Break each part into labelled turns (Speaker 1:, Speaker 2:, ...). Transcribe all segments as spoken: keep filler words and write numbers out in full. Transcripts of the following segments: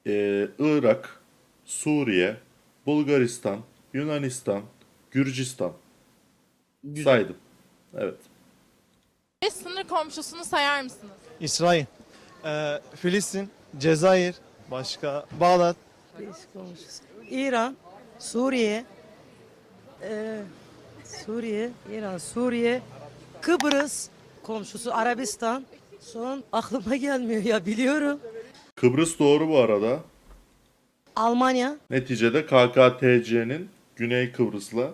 Speaker 1: Ee, Irak, Suriye, Bulgaristan, Yunanistan, Gürcistan.
Speaker 2: Güzel.
Speaker 1: Saydım. Evet.
Speaker 3: Beş sınır komşusunu sayar mısınız?
Speaker 2: İsrail, ee, Filistin, Cezayir, başka Bağdat,
Speaker 4: Değişik olmuş. İran, Suriye, eee, Suriye, İran, Suriye, Kıbrıs, komşusu Arabistan. Son aklıma gelmiyor ya biliyorum.
Speaker 1: Kıbrıs doğru bu arada.
Speaker 4: Almanya,
Speaker 1: Neticede K K T C'nin Güney Kıbrıs'la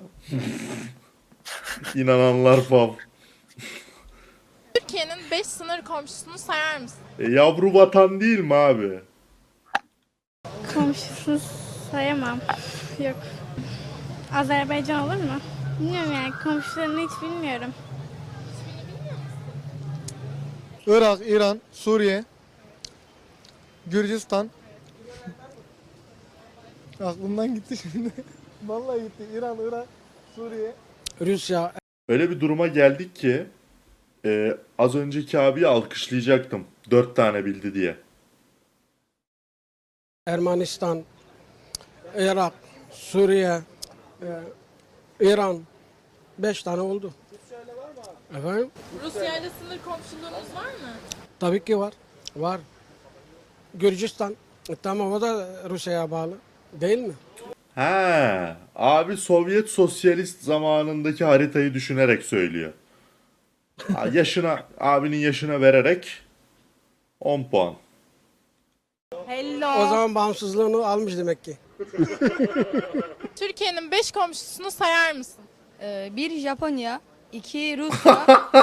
Speaker 1: inananlar fav.
Speaker 3: Türkiye'nin beş sınır komşusunu sayar mısınız?
Speaker 1: E, yavru vatan değil mi abi?
Speaker 5: Komşusunu sayamam. Yok. Azerbaycan olur mu? Bilmiyorum yani komşularını hiç bilmiyorum.
Speaker 2: Irak, İran, Suriye, Gürcistan. Aklımdan gitti şimdi. Vallahi gitti. İran, Irak, Suriye.
Speaker 6: Rusya,
Speaker 1: Öyle bir duruma geldik ki e, az önceki abiyi alkışlayacaktım. Dört tane bildi diye.
Speaker 6: Ermenistan, Irak, Suriye, e, İran. Beş tane oldu. Efendim?
Speaker 3: Rusya ile sınır komşuluğunuz var mı?
Speaker 6: Tabii ki var. Var. Gürcistan. E, tamam o da Rusya'ya bağlı. Değil mi?
Speaker 1: He, abi Sovyet sosyalist zamanındaki haritayı düşünerek söylüyor. Ha, yaşına, abinin yaşına vererek on puan.
Speaker 6: O zaman bağımsızlığını almış demek ki.
Speaker 3: Türkiye'nin beş komşusunu sayar mısın?
Speaker 7: Ee, bir Japonya, iki Rusya,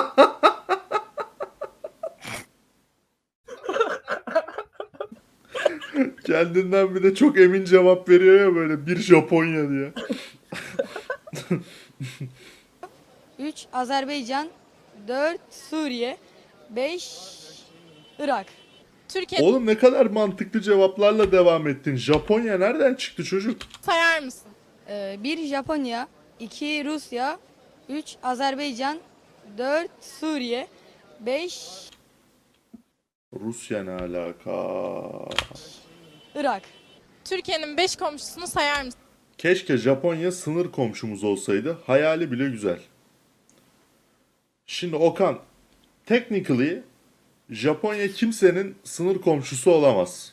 Speaker 1: Kendinden bir de çok emin cevap veriyor ya böyle bir Japonya diye.
Speaker 7: üç Azerbaycan, dört Suriye, beş Irak.
Speaker 3: Türkiye
Speaker 1: Oğlum ne kadar mantıklı cevaplarla devam ettin. Japonya nereden çıktı çocuk?
Speaker 3: sayar mısın?
Speaker 7: Ee, bir Japonya, iki Rusya, üç Azerbaycan, dört Suriye, beş
Speaker 1: Rusya ne alaka?
Speaker 7: Irak.
Speaker 3: Türkiye'nin beş komşusunu sayar mısın?
Speaker 1: Keşke Japonya sınır komşumuz olsaydı. Hayali bile güzel. Şimdi Okan, technically Japonya kimsenin sınır komşusu olamaz.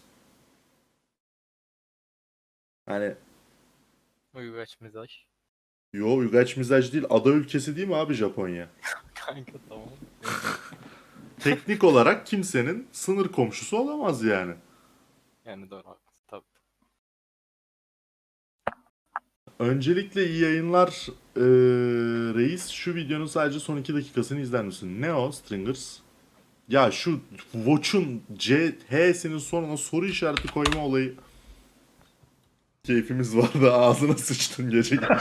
Speaker 1: Hani
Speaker 8: Uygaç mizaj.
Speaker 1: yo uygaç mizaj değil, ada ülkesi değil mi abi Japonya?
Speaker 8: Kanka tamam.
Speaker 1: Teknik olarak kimsenin sınır komşusu olamaz yani.
Speaker 8: Yani doğru haklısın tabii.
Speaker 1: Öncelikle iyi yayınlar eee, reis. Şu videonun sadece son iki dakikasını izler misin? Ne o Stringers? Ya şu Watch'un C, H'sinin sonuna soru işareti koyma olayı. Keyfimiz vardı, ağzına sıçtın gece gece.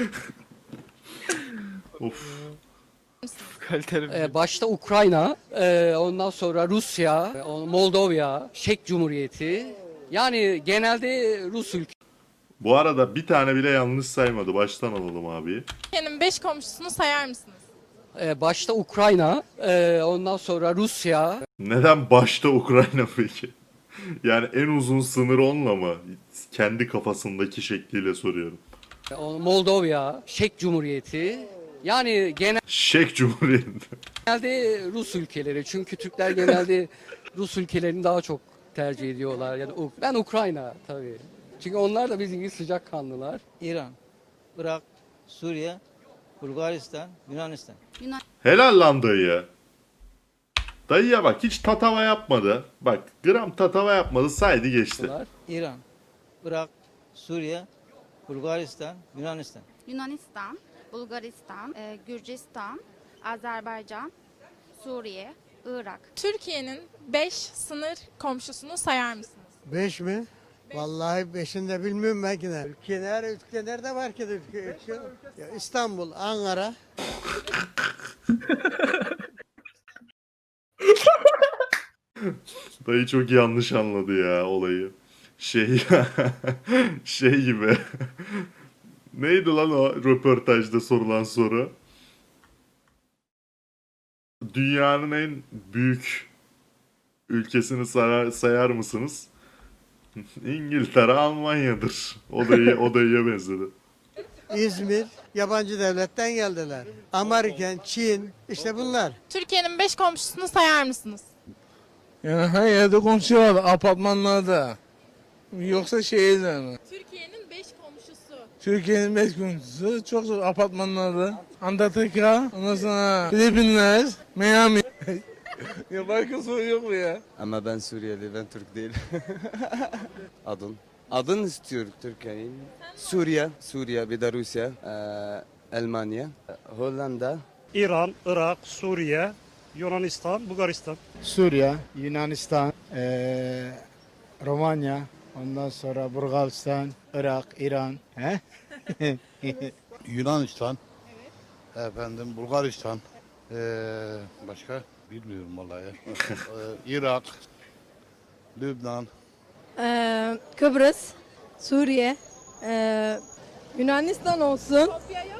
Speaker 1: Of.
Speaker 8: Kaliteli bir
Speaker 9: Ee, başta Ukrayna, e, ondan sonra Rusya, e, on- Moldova, Çek Cumhuriyeti. Yani genelde Rus ülke.
Speaker 1: Bu arada bir tane bile yanlış saymadı. Baştan alalım abi.
Speaker 3: Türkiye'nin beş komşusunu sayar mısınız?
Speaker 9: Ee, başta Ukrayna, e, ondan sonra Rusya.
Speaker 1: Neden başta Ukrayna peki? Yani en uzun sınır onunla mı? Kendi kafasındaki şekliyle soruyorum.
Speaker 9: e, on- Moldova, Çek Cumhuriyeti. Yani
Speaker 1: Şek Cumhuriyeti.
Speaker 9: genelde Rus ülkeleri. Çünkü Türkler genelde Rus ülkelerini daha çok tercih ediyorlar. Yani U- ben Ukrayna tabii. Çünkü onlar da bizim gibi sıcakkanlılar.
Speaker 10: İran, Irak, Suriye, Bulgaristan, Yunanistan.
Speaker 1: Helal lan dayı. Dayıya bak hiç tatava yapmadı. Bak gram tatava yapmadı, saydı geçti.
Speaker 9: Bunlar.
Speaker 10: İran, Irak, Suriye, Bulgaristan, Yunanistan.
Speaker 11: Yunanistan, Bulgaristan, e, Gürcistan, Azerbaycan, Suriye, Irak.
Speaker 3: Türkiye'nin beş sınır komşusunu sayar mısınız?
Speaker 4: Beş mi? Vallahi beşini de bilmiyorum belki de. Ülke nerede, ülke nerede var ki de ülke, ülke? Ya İstanbul, Ankara.
Speaker 1: Dayı çok yanlış anladı ya olayı. Şey şey gibi. Neydi lan o röportajda sorulan soru? Dünyanın en büyük ülkesini sayar, sayar mısınız? İngiltere, Almanya'dır. O da iyi, o da iyiye benzedi.
Speaker 4: İzmir yabancı devletten geldiler. Amerikan, Çin işte bunlar.
Speaker 3: Türkiye'nin beş komşusunu sayar mısınız?
Speaker 2: Yani her yerde komşu var, apartmanlarda. Yoksa şehirde mi?
Speaker 3: Türkiye'nin beş komşusu.
Speaker 2: Türkiye'nin beş komşusu çok zor apartmanlarda. Antarktika, ondan sonra Filipinler, Miami. Ya başka soru yok mu ya?
Speaker 12: Ama ben Suriyeli, ben Türk değil. Adın. Adın istiyor Türkiye'nin. Suriye, Suriye bir de Rusya, eee, Almanya, Hollanda.
Speaker 2: İran, Irak, Suriye, Yunanistan, Bulgaristan.
Speaker 6: Suriye, Yunanistan, eee, Romanya, ondan sonra Bulgaristan, Irak, İran. He?
Speaker 2: Yunanistan. Efendim Bulgaristan. Ee, başka bilmiyorum vallahi. ya. Ee, Irak, Lübnan.
Speaker 7: Ee, Kıbrıs, Suriye, ee, Yunanistan olsun.
Speaker 3: Kopya yok.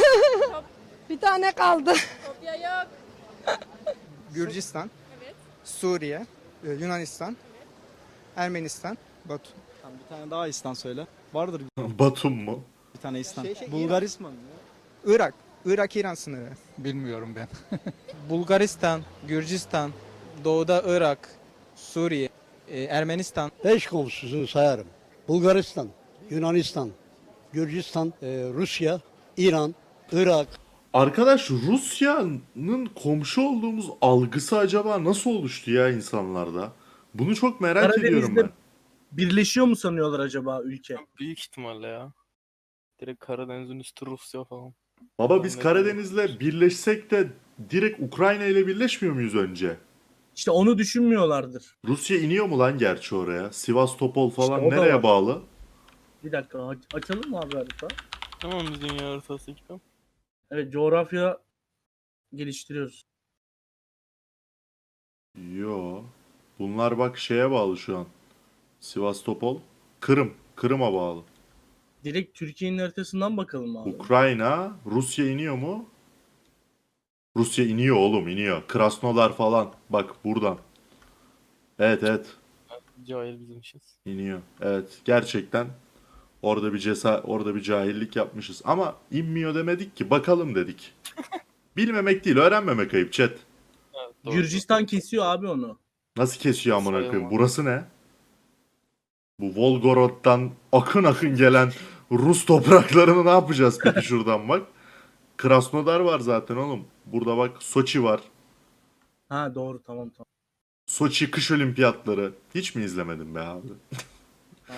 Speaker 7: Bir tane kaldı.
Speaker 3: Kopya yok.
Speaker 6: Gürcistan,
Speaker 3: Evet.
Speaker 6: Suriye, Yunanistan, Ermenistan, Batu.
Speaker 2: Bir tane daha İstan söyle. Vardır
Speaker 1: Batum mu?
Speaker 2: bir tane İstan. Bulgaristan.
Speaker 6: Irak, Irak İran sınırı.
Speaker 2: Bilmiyorum ben.
Speaker 6: Bulgaristan, Gürcistan, doğuda Irak, Suriye, Ermenistan.
Speaker 4: Beş komşusunu sayarım. Bulgaristan, Yunanistan, Gürcistan, Rusya, İran, Irak.
Speaker 1: Arkadaş Rusya'nın komşu olduğumuz algısı acaba nasıl oluştu ya insanlarda? Bunu çok merak ediyorum ben.
Speaker 2: Birleşiyor mu sanıyorlar acaba ülke?
Speaker 8: Büyük ihtimalle ya. Direkt Karadeniz'in üstü Rusya falan.
Speaker 1: Baba biz Karadeniz'le birleşsek de direkt Ukrayna ile birleşmiyor muyuz önce?
Speaker 2: İşte onu düşünmüyorlardır.
Speaker 1: Rusya iniyor mu lan gerçi oraya? Sivastopol falan
Speaker 2: İşte o da
Speaker 1: nereye
Speaker 2: var.
Speaker 1: bağlı?
Speaker 2: Bir dakika aç- açalım mı abi harita?
Speaker 8: Tamam biz dünya haritası ekipem.
Speaker 2: Evet coğrafya geliştiriyoruz.
Speaker 1: Yo. Bunlar bak şeye bağlı şu an. Sivastopol. Kırım. Kırım'a bağlı.
Speaker 2: Direkt Türkiye'nin haritasından bakalım abi.
Speaker 1: Ukrayna. Rusya iniyor mu? Rusya iniyor oğlum iniyor. Krasnodar falan. Bak buradan. Evet evet.
Speaker 8: Cahil bizim işiz.
Speaker 1: İniyor. Evet. Gerçekten orada bir cesa orada bir cahillik yapmışız. Ama inmiyor demedik ki. Bakalım dedik. Bilmemek değil, öğrenmemek ayıp chat.
Speaker 8: Evet, doğru.
Speaker 2: Gürcistan kesiyor abi onu.
Speaker 1: Nasıl kesiyor amına koyayım?
Speaker 8: Sayılmaz.
Speaker 1: Burası ne? Bu Volgorod'dan akın akın gelen Rus topraklarını ne yapacağız peki şuradan bak? Krasnodar var zaten oğlum. Burada bak Soçi var.
Speaker 2: Ha doğru tamam tamam.
Speaker 1: Soçi kış olimpiyatları. Hiç mi izlemedin be abi?
Speaker 2: Ha.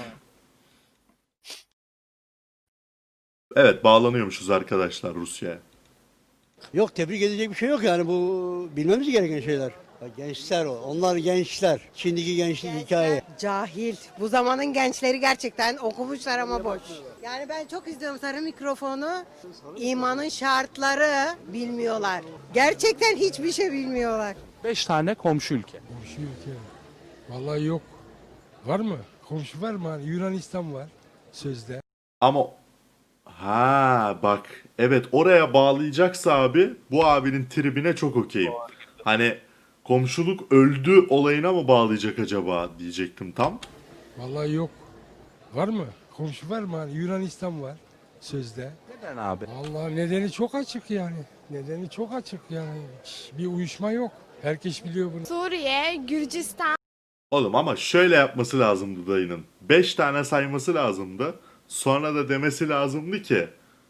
Speaker 1: Evet bağlanıyormuşuz arkadaşlar Rusya'ya.
Speaker 4: Yok tebrik edecek bir şey yok yani bu bilmemiz gereken şeyler. Gençler o. Onlar gençler. Şimdiki gençlik hikaye.
Speaker 7: Cahil. Bu zamanın gençleri gerçekten okumuşlar ama boş. Yani ben çok izliyorum sarı mikrofonu. İmanın şartları bilmiyorlar. Gerçekten hiçbir şey bilmiyorlar.
Speaker 2: Beş tane komşu ülke.
Speaker 6: Komşu ülke. Vallahi yok. Var mı? Komşu var mı? Hani Yunanistan var sözde.
Speaker 1: Ama ha bak evet oraya bağlayacaksa abi bu abinin tribine çok okeyim. Hani komşuluk öldü olayına mı bağlayacak acaba diyecektim tam.
Speaker 6: Vallahi yok. Var mı? Komşu var mı? Hani Yunanistan var sözde.
Speaker 2: Neden abi?
Speaker 6: Vallahi nedeni çok açık yani. Nedeni çok açık yani. Bir uyuşma yok. Herkes biliyor bunu.
Speaker 3: Suriye, Gürcistan,
Speaker 1: Oğlum ama şöyle yapması lazımdı dayının. beş tane sayması lazımdı. Sonra da demesi lazımdı ki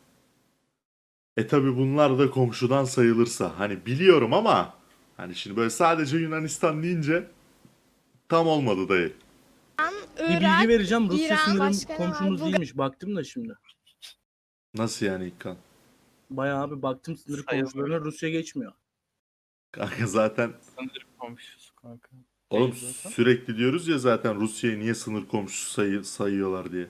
Speaker 1: e tabi bunlar da komşudan sayılırsa. Hani biliyorum ama hani şimdi böyle sadece Yunanistan deyince tam olmadı dayı.
Speaker 2: Bir bilgi
Speaker 3: Irak,
Speaker 2: vereceğim. Rusya
Speaker 3: İran,
Speaker 2: sınırım
Speaker 3: başka ne var?
Speaker 2: komşumuz
Speaker 3: Bulgar-
Speaker 2: değilmiş. Baktım da şimdi.
Speaker 1: Nasıl yani İlkan?
Speaker 2: Bayağı abi baktım sınır
Speaker 8: Sayılmıyor.
Speaker 2: komşularına Rusya geçmiyor.
Speaker 1: Kanka zaten
Speaker 8: Sınır komşusu kanka.
Speaker 1: oğlum
Speaker 8: Değil zaten.
Speaker 1: sürekli diyoruz ya zaten Rusya'yı niye sınır komşusu sayı, sayıyorlar diye.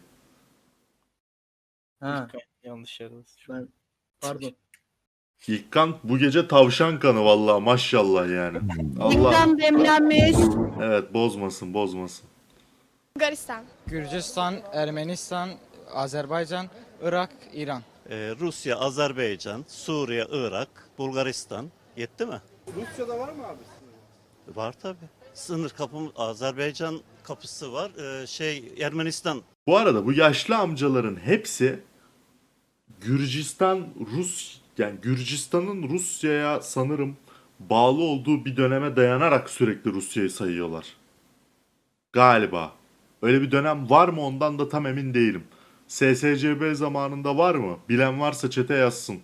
Speaker 2: Ha
Speaker 8: Yanlış yerdeyiz. şu an.
Speaker 2: ben pardon.
Speaker 1: İlkan bu gece tavşan kanı vallahi maşallah yani. Allah
Speaker 7: demlenmiş.
Speaker 1: evet bozmasın bozmasın.
Speaker 3: Bulgaristan.
Speaker 6: Gürcistan, Ermenistan, Azerbaycan, Irak, İran.
Speaker 12: Rusya, Azerbaycan, Suriye, Irak, Bulgaristan. Yetti mi?
Speaker 2: Rusya'da var mı abi?
Speaker 12: Var tabii. Sınır kapımız Azerbaycan
Speaker 10: kapısı var. Ee, şey Ermenistan.
Speaker 1: Bu arada bu yaşlı amcaların hepsi Gürcistan, Rus yani Gürcistan'ın Rusya'ya sanırım bağlı olduğu bir döneme dayanarak sürekli Rusya'yı sayıyorlar. Galiba. Öyle bir dönem var mı ondan da tam emin değilim. S S C B zamanında var mı? Bilen varsa çete yazsın.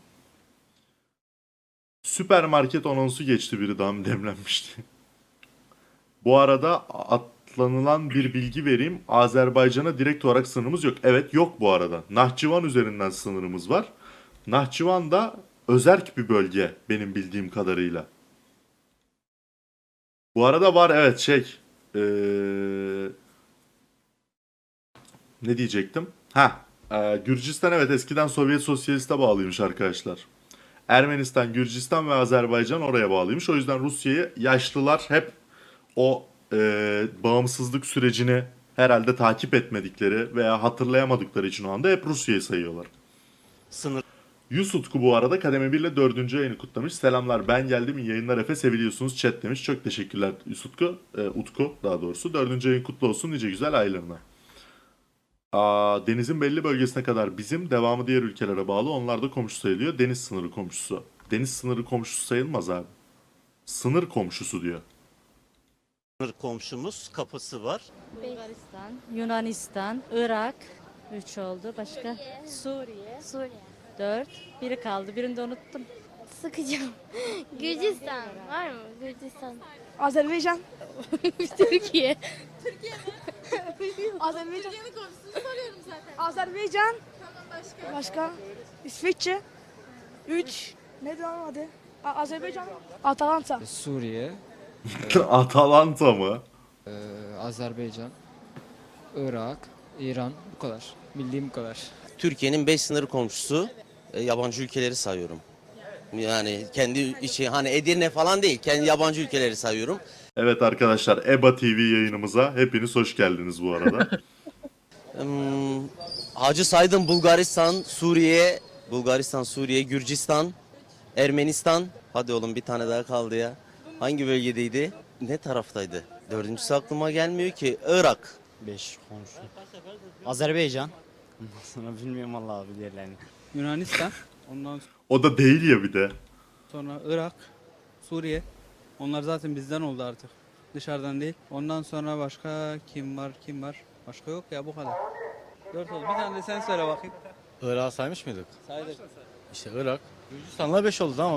Speaker 1: Süpermarket anonsu geçti, biri daha mı demlenmişti. Bu arada atlanılan bir bilgi vereyim. Azerbaycan'a direkt olarak sınırımız yok. Evet, yok bu arada. Nahçıvan üzerinden sınırımız var. Nahçıvan da özerk bir bölge benim bildiğim kadarıyla. Bu arada var, evet, şey ee, ne diyecektim? Ha, e, Gürcistan evet eskiden Sovyet Sosyalist'e bağlıymış arkadaşlar. Ermenistan, Gürcistan ve Azerbaycan oraya bağlıymış. O yüzden Rusya'yı yaşlılar hep o e, bağımsızlık sürecini herhalde takip etmedikleri veya hatırlayamadıkları için o anda hep Rusya'yı sayıyorlar.
Speaker 10: Sınır.
Speaker 1: Yusutku bu arada kademe bir ile dördüncü yayını kutlamış. Selamlar, ben geldim, iyi yayınlar Efe, seviliyorsunuz chat demiş. Çok teşekkürler Yusutku, e, Utku daha doğrusu. Dördüncü yayın kutlu olsun nice güzel aylarına. Aa, denizin belli bölgesine kadar bizim, devamı diğer ülkelere bağlı. Onlar da komşu sayılıyor. Deniz sınırı komşusu. Deniz sınırı komşusu sayılmaz abi. Sınır komşusu diyor.
Speaker 10: Sınır komşumuz kapısı var.
Speaker 5: Bulgaristan, Yunanistan, Irak. Üç oldu. Başka? Suriye. Suriye. Dört. Biri kaldı. Birini de unuttum.
Speaker 11: Sıkacağım. Gürcistan var mı? Gürcistan.
Speaker 5: Azerbaycan. Türkiye. Azerbaycan.
Speaker 3: Türkiye'nin komşusunu soruyorum zaten.
Speaker 5: Azerbaycan.
Speaker 3: Tamam, başka.
Speaker 5: Başka? İsviçre. Üç. Ne lan adı? A- Azerbaycan. Atalanta.
Speaker 6: Suriye,
Speaker 1: Atalanta mı?
Speaker 6: Azerbaycan, Irak, İran, bu kadar. Bildiğim bu kadar.
Speaker 10: Türkiye'nin beş sınır komşusu. E, yabancı ülkeleri sayıyorum. Yani kendi içi hani Edirne falan değil. Kendi yabancı ülkeleri sayıyorum.
Speaker 1: Evet arkadaşlar, EBA T V yayınımıza hepiniz hoş geldiniz bu arada.
Speaker 10: Hmm, Hacı saydım: Bulgaristan, Suriye, Bulgaristan, Suriye, Gürcistan, Ermenistan. Hadi oğlum, bir tane daha kaldı ya. Hangi bölgedeydi? Ne taraftaydı? Dördüncüsü aklıma gelmiyor ki. Irak.
Speaker 8: beş komşu. Azerbaycan. Ondan sonra bilmiyorum Allah abi diğerlerini.
Speaker 6: Yunanistan, ondan
Speaker 1: O da değil ya bir de.
Speaker 6: sonra Irak, Suriye. Onlar zaten bizden oldu artık. Dışarıdan değil. Ondan sonra başka kim var, kim var? Başka yok ya, bu kadar. Dört oldu. Bir tane de sen söyle bakayım.
Speaker 8: Irak'ı saymış mıydık?
Speaker 6: Saydık.
Speaker 8: İşte Irak. Gürcistan'la beş oldu ama